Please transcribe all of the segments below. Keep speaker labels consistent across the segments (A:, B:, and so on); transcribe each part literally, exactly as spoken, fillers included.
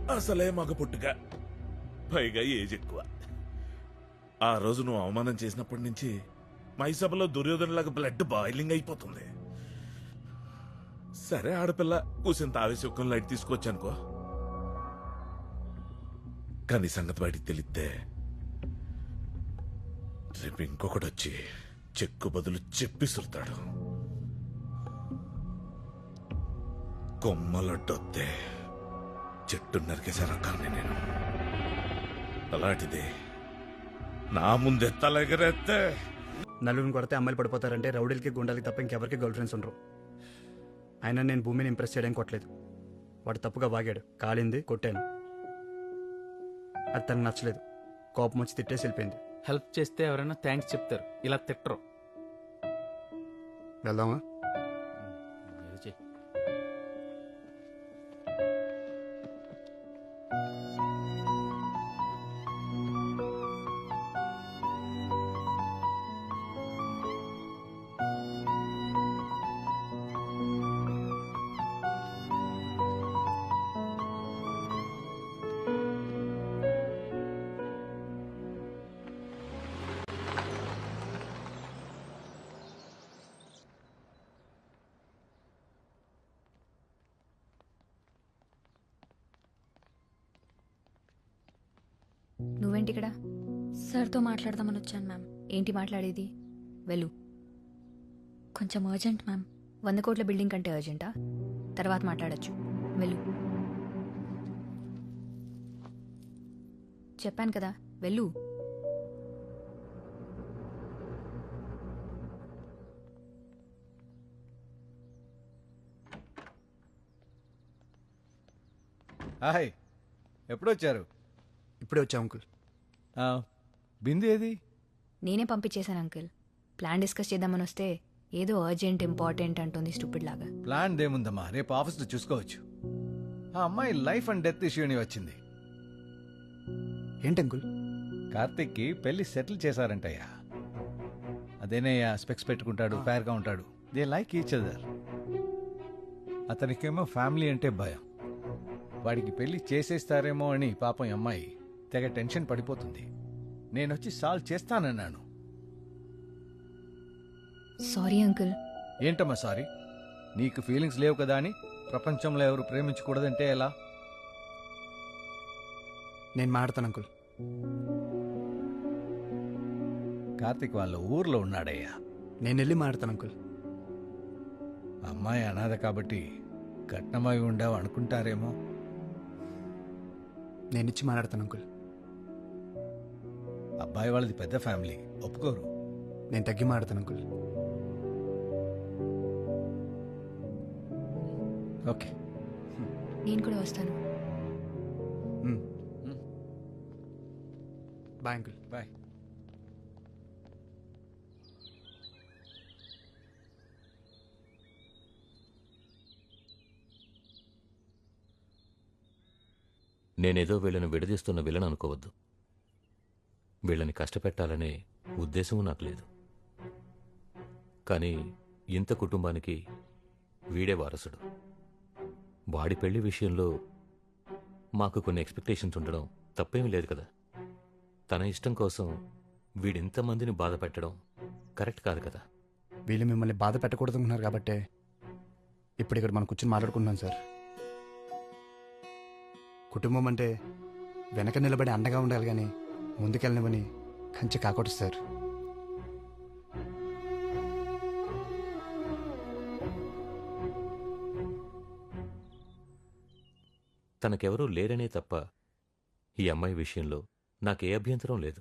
A: అసలే మగ పుట్టుక, పైగా ఏజ్ ఎక్కువ. ఆ రోజు నువ్వు అవమానం చేసినప్పటి నుంచి మైసభలో దుర్యోధనలాగా బ్లడ్ బాయిలింగ్ అయిపోతుంది. సరే ఆడపిల్ల కూసింత ఆవేశం లైట్ తీసుకొచ్చానుకో, కానీ సంగతి బయటికి తెలిస్తే రేపు ఇంకొకటి వచ్చి చెక్కు బదులు చెప్పిసురుతాడు. కొమ్మలొడ్డొత్తే చెట్టు నరికేసే రకాన్ని నేను. అలాంటిది నా ముందే తలెగరేస్తే.
B: నలుగురిని కొడితే అమ్మాయిలు పడిపోతారంటే రౌడీలకి గుండాలకి తప్ప ఇంకెవరికి గర్ల్ ఫ్రెండ్స్ ఉండరు. అయినా నేను భూమిని ఇంప్రెస్ చేయడానికి కొట్టలేదు. వాడు తప్పుగా వాగాడు, కాలింది, కొట్టాను. అది తనకు నచ్చలేదు. కోపం వచ్చి తిట్టేసి వెళ్ళిపోయింది.
C: హెల్ప్ చేస్తే ఎవరైనా థ్యాంక్స్ చెప్తారు, ఇలా తిట్టరు.
B: వెళ్దామా?
D: నువ్వేంటి ఇక్కడ? సార్తో మాట్లాడదామని వచ్చాను మ్యామ్. ఏంటి మాట్లాడేది? వెళ్ళు. కొంచెం అర్జెంట్ మ్యామ్. వంద కోట్ల బిల్డింగ్ కంటే అర్జెంటా? తర్వాత మాట్లాడచ్చు. వెళ్ళు. చెప్పాను కదా, వెళ్ళు.
E: హాయ్, ఎప్పుడొచ్చారు?
B: ఇప్పుడే వచ్చా అంకుల్.
E: బిందు ఏది?
D: నేనే పంపించేశాను అంకుల్. ప్లాన్ డిస్కస్ చేద్దామని వస్తే ఏదో అర్జెంట్ ఇంపార్టెంట్ అంటుంది స్టూపిడ్ లాగా.
E: ప్లాన్ దేముందమ్మా, రేపు ఆఫీస్లో చూసుకోవచ్చు. ఆ అమ్మాయి లైఫ్ అండ్ డెత్ ఇష్యూ అని వచ్చింది.
B: ఏంటి అంకుల్?
E: కార్తిక్కి పెళ్లి సెటిల్ చేశారంటయ్యా. అదేనయ్యా, స్పెక్స్ పెట్టుకుంటాడు, ఫేర్గా ఉంటాడు. They like each other. అతనికేమో ఫ్యామిలీ అంటే భయం. వాడికి పెళ్లి చేసేస్తారేమో అని పాపం అమ్మాయి తెగ టెన్షన్ పడిపోతుంది. నేనొచ్చి సాల్వ్ చేస్తానన్నాను.
D: Sorry uncle.
E: ఏంటమ్మా సారీ? నీకు ఫీలింగ్స్ లేవు కదా అని ప్రపంచంలో ఎవరు ప్రేమించకూడదంటే ఎలా?
B: నేను మాడతాను అంకుల్.
E: కార్తిక్ వాళ్ళ ఊర్లో ఉన్నాడయ్యా.
B: నేను వెళ్ళి మాడతాను అంకుల్.
E: అమ్మాయి అనాథ కాబట్టి కట్నమై ఉండవు అనుకుంటారేమో.
B: నేను ఇచ్చి మాట్లాడతాను అంకుల్.
E: అబ్బాయి వాళ్ళది పెద్ద ఫ్యామిలీ, ఒప్పుకోరు.
B: నేను తగ్గి మాట్లాడతాను అంకుల్.
E: ఓకే,
D: నేను కూడా వస్తాను.
B: Bye uncle.
E: బాయ్.
F: నేనేదో వీళ్ళని విడదీస్తున్న విలను అనుకోవద్దు. వీళ్ళని కష్టపెట్టాలనే ఉద్దేశము నాకు లేదు. కానీ ఇంత కుటుంబానికి వీడే వారసుడు. వాడి పెళ్లి విషయంలో మాకు కొన్ని ఎక్స్పెక్టేషన్స్ ఉండడం తప్పేమీ లేదు కదా. తన ఇష్టం కోసం వీడింతమందిని బాధ పెట్టడం కరెక్ట్ కాదు కదా.
B: వీళ్ళు మిమ్మల్ని బాధ పెట్టకూడదు అనుకున్నారు కాబట్టే ఇప్పుడు ఇక్కడ మనం కూర్చొని మాట్లాడుకుంటున్నాం సార్. కుటుంబం అంటే వెనక నిలబడి అండగా ఉండాలి కానీ ముందుకెళ్ళనివని కంచె కాకూడదు సార్.
F: తనకెవరూ లేరనే తప్ప ఈ అమ్మాయి విషయంలో నాకే అభ్యంతరం లేదు.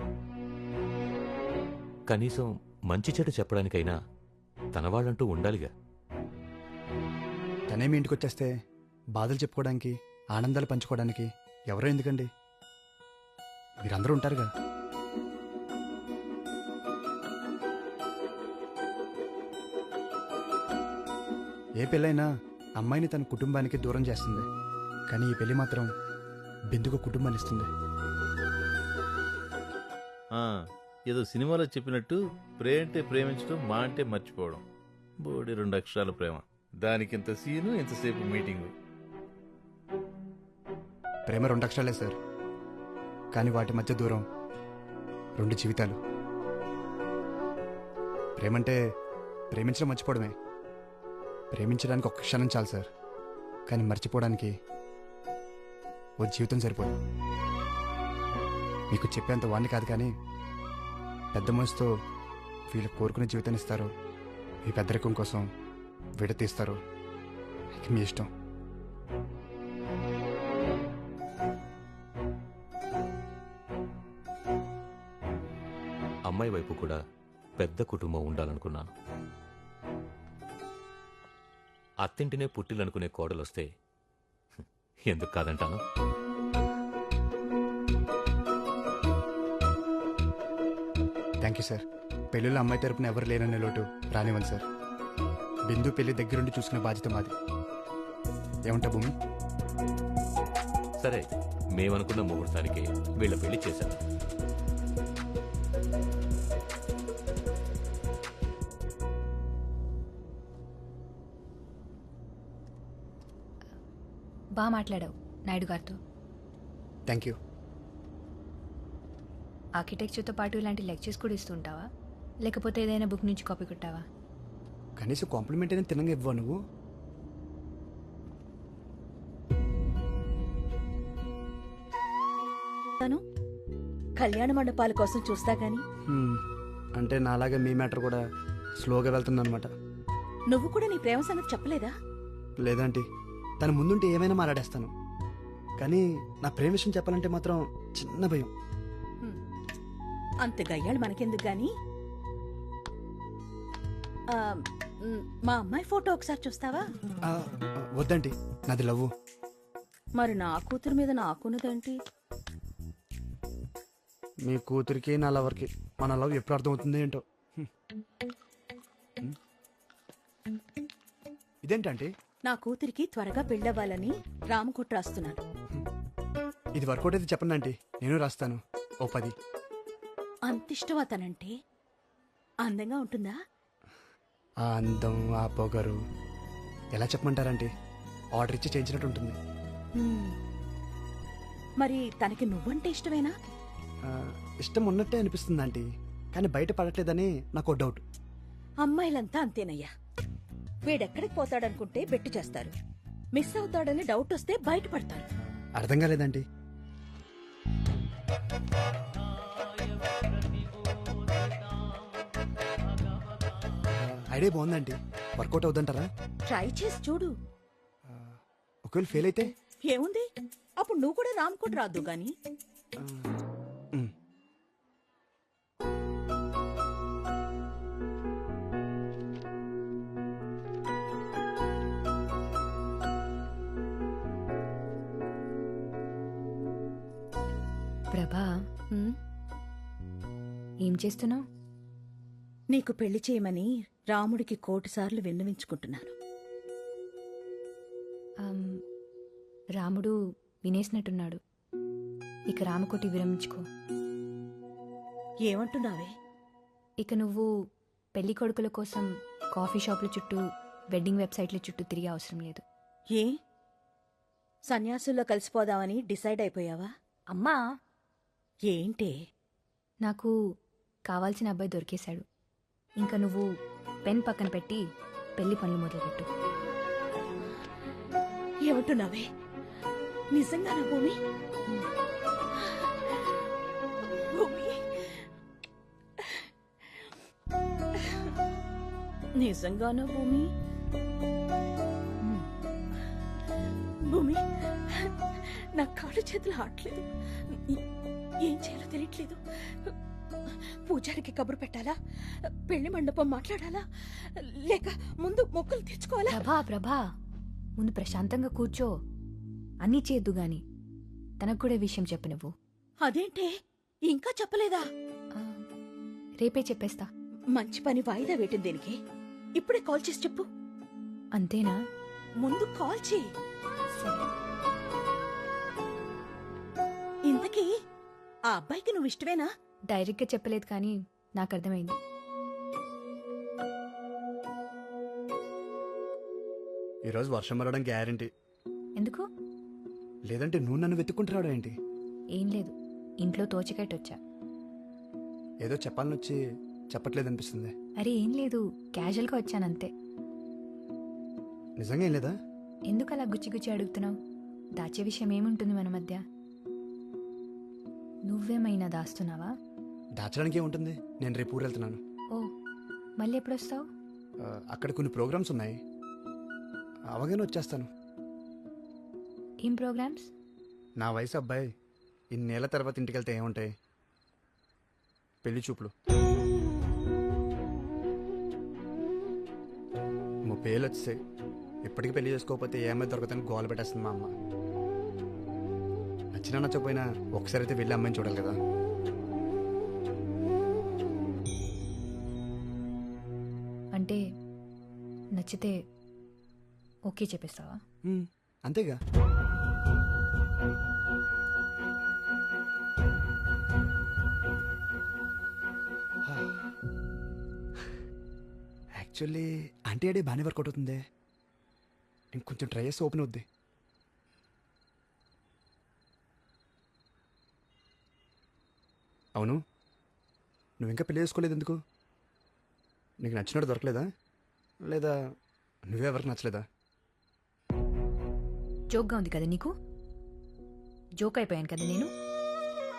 F: కనీసం మంచి చెడు చెప్పడానికైనా తన వాళ్ళంటూ ఉండాలిగా.
B: తనేమి ఇంటికి వచ్చేస్తే బాధలు చెప్పుకోవడానికి, ఆనందాలు పంచుకోవడానికి ఎవరో ఎందుకండి? మీరందరూ ఉంటారుగా. ఏ పెళ్ళైనా అమ్మాయిని తన కుటుంబానికి దూరం చేస్తుంది, కానీ ఈ పెళ్లి మాత్రం బిందుకు కుటుంబాన్ని ఇస్తుంది.
G: ఏదో సినిమాలో చెప్పినట్టు ప్రేమ అంటే ప్రేమించడం, మా అంటే మర్చిపోవడం. బోడి రెండు అక్షరాల ప్రేమ, దానికి ఇంత సీను, ఇంతసేపు మీటింగు.
B: ప్రేమ రెండు అక్షరాలే సార్, కానీ వాటి మధ్య దూరం రెండు జీవితాలు. ప్రేమంటే ప్రేమించడం మర్చిపోవడమే. ప్రేమించడానికి ఒక్క క్షణం చాలు సార్, కానీ మర్చిపోవడానికి ఓ జీవితం సరిపోదు. మీకు చెప్పేంత వాడిని కాదు, కానీ పెద్ద మనసుతో వీళ్ళు కోరుకునే జీవితాన్ని ఇస్తారు, మీ పెద్దరికం కోసం విడతీస్తారు. ఇక మీ ఇష్టం.
F: అమ్మాయి వైపు కూడా పెద్ద కుటుంబం ఉండాలనుకున్నాను. అత్తింటినే పుట్టిలనుకునే కోడలొస్తే ఎందుకు కాదంటాను.
B: Thank you sir. పెళ్ళిలో అమ్మాయి తరపున ఎవరు లేననే లోటు రానివ్వండి సార్. బిందు పెళ్లి దగ్గరుండి చూసుకునే బాధ్యత మాది. ఏమంటా భూమి?
F: సరే, మేమనుకున్న ముహూర్తానికి వీళ్ళ పెళ్లి చేశాను.
D: బాగా మాట్లాడావు నాయుడు గారితో.
B: Thank you.
D: ఆర్కిటెక్చర్తో పాటు ఇలాంటి లెక్చర్స్ కూడా ఇస్తుంటావా, లేకపోతే ఏదైనా బుక్ నుంచి కాపీ కొట్టావా?
B: కనీసం కాంప్లిమెంట్ అయినా తినంగా ఇవ్వవు నువ్వు.
H: కళ్యాణ మండపాల కోసం చూస్తా గాని
B: హ్మ్, అంటే నాలాగే మీ మ్యాటర్ కూడా స్లోగా వెళ్తుందన్నమాట.
H: నువ్వు కూడా నీ ప్రేమ సంగతి చెప్పలేదా?
B: లేదంటే తన ముందుంటే ఏమైనా మాట్లాడేస్తాను, కానీ నా ప్రేమ విషయం చెప్పాలంటే మాత్రం చిన్న భయం.
H: హ్మ్. అంత గయ్యాళ్ళు మనకెందుకు గాని ఆ, మ్, మా అమ్మాయి ఫోటో ఒకసారి చూస్తావా?
B: ఆ, వద్దండి, నాది లవ్వు.
H: మరి నా కూతురు మీద నాకున్నదేంటి?
B: మీ కూతురికి నా లవర్కి మన లవ్ ఎప్పుడు అర్థమవుతుంది ఏంటో. హ్మ్. హ్మ్. ఇదేంటంటే
H: నా కూతురికి త్వరగా పెళ్ళవ్వాలని రామకుట్ర రాస్తున్నాను.
B: ఇది వర్కౌట్ అయితే చెప్పండి ఆంటీ, నేను రాస్తాను ఓ పది.
H: అంతిష్టం అతనంటే అందంగా ఉంటుందా?
B: ఆ అందం, ఆ పొగరు ఎలా చెప్పమంటారంటే ఆర్డర్ ఇచ్చి చేయించినట్టు ఉంటుంది.
H: హ్మ్. మరి తనకి నువ్వంటే ఇష్టమేనా?
B: ఆ, ఇష్టం ఉన్నట్టే అనిపిస్తుంది ఆంటీ, కానీ బయట పడట్లేదని నాకు డౌట్.
H: అమ్మాయిలంతా అంతేనయ్యా. వీడెక్కడికి పోతాడనుకుంటే బెట్టు చేస్తారు, మిస్ అవుతాడని డౌట్ వస్తే బయటపడతారు.
B: అర్థం కాలేదండి. ఐడియా బాగుందండి, వర్కౌట్ అవుతుంటారా?
H: ట్రై చేసి చూడు.
B: ఒకవేళ ఫెయిల్ అయితే
H: ఏముంది, అప్పుడు నువ్వు కూడా రామ్కోట్ రాదు గాని.
B: ఆ, ఉమ్.
D: ప్రభా,
H: హ్మ్?
D: ఏం చేస్తున్నావు?
H: నీకు పెళ్లి చేయమని రాముడికి కోటి సార్లు విన్నవించుకుంటున్నాను.
D: రాముడు వినేసినట్టున్నాడు. ఇక రామకోటి విరమించుకో.
H: ఏమంటున్నావే?
D: ఇక నువ్వు పెళ్లి కొడుకుల కోసం కాఫీ షాపుల చుట్టూ, వెడ్డింగ్ వెబ్సైట్ల చుట్టూ తిరిగే అవసరం లేదు.
H: ఏ సన్యాసుల్లో కలిసిపోదామని డిసైడ్ అయిపోయావా?
D: అమ్మా,
H: ఏంటే?
D: నాకు కావాల్సిన అబ్బాయి దొరికేశాడు. ఇంకా నువ్వు పెన్ పక్కన పెట్టి పెళ్లి పనులు మొదలుపెట్టు.
H: ఏమంటున్నావే? నిజంగానా భూమి? భూమి, నిజంగానా భూమి? భూమి, నా కాళ్ళు చేతులు ఆడలేదు. ఏం చేయాలో తెలియట్లేదు. పూజారికి కబురు పెట్టాలా? పెళ్లి మండపం మాట్లాడాలా? లేక ముందు మొక్కులు తెచ్చుకోవాలా?
D: ప్రభా ప్రభా ముందు ప్రశాంతంగా కూర్చో. అన్నీ చేద్దు గాని తనకు కూడా ఈ విషయం చెప్పు నువ్వు.
H: అదేంటే ఇంకా చెప్పలేదా?
D: ఆ, రేపే చెప్పేస్తా.
H: మంచి పని వాయిదా వేయటం దేనికి? ఇప్పుడే కాల్ చేసి చెప్పు.
D: అంతేనా?
H: ముందు కాల్ చేయి.
D: సరే.
H: ఇంతకీ ఆ అబ్బాయికి నువ్వు ఇష్టమేనా?
D: డైరెక్ట్గా చెప్పలేదు కానీ నాకు అర్థమైంది.
B: ఈరోజు వర్షం పడడం గ్యారంటీ.
D: ఎందుకు?
B: లేదంటే నువ్వు నన్ను వెతుక్కుంటున్నాడు ఏంటి?
D: ఏం లేదు, ఇంట్లో తోచకట్టు వచ్చా.
B: ఏదో చెప్పాలని వచ్చి చెప్పట్లేదు అనిపిస్తుంది.
D: అరే ఏం లేదు, క్యాజువల్గా వచ్చానంతే.
B: నిజంగా ఏం లేదా?
D: ఎందుకు అలా గుచ్చి గుచ్చి అడుగుతున్నావు? దాచే విషయం ఏముంటుంది మన మధ్య? నువ్వేమైనా దాస్తున్నావా?
B: దాచడానికి ఏముంటుంది? నేను రేపు ఊరు వెళ్తున్నాను.
D: ఓ, మళ్ళీ ఎప్పుడు వస్తావు?
B: ఆ, అక్కడ కొన్ని ప్రోగ్రామ్స్ ఉన్నాయి, అవగానే వచ్చేస్తాను.
D: ఏం ప్రోగ్రామ్స్?
B: నా వయసు అబ్బాయి ఇన్నేళ్ల తర్వాత ఇంటికి వెళ్తే ఏముంటాయి? పెళ్లి చూపులు. ముప్పై ఏళ్ళు వచ్చేసాయి, ఇప్పటికీ పెళ్లి చేసుకోకపోతే ఏమై దొరకదని గోల పెట్టేస్తుంది మా అమ్మ. నచ్చినా నచ్చకపోయినా ఒకసారి అయితే వెళ్ళి అమ్మాయిని చూడాలి కదా.
D: అంటే నచ్చితే ఓకే చెప్పేస్తావా?
B: ఉమ్, అంతేగా. యాక్చువల్లీ ఆంటీ అడే బాగానే వర్కౌట్ అవుతుంది. ఇంకొంచెం ట్రై చేస్తే ఓపెన్ అవుద్ది. అవును, నువ్వు ఇంకా పెళ్లి చేసుకోలేదు ఎందుకు? నీకు నచ్చినట్టు దొరకలేదా, లేదా నువ్వే ఎవరికి నచ్చలేదా?
D: జోక్గా ఉంది కదా నీకు? జోక్ అయిపోయాను కదా నేను.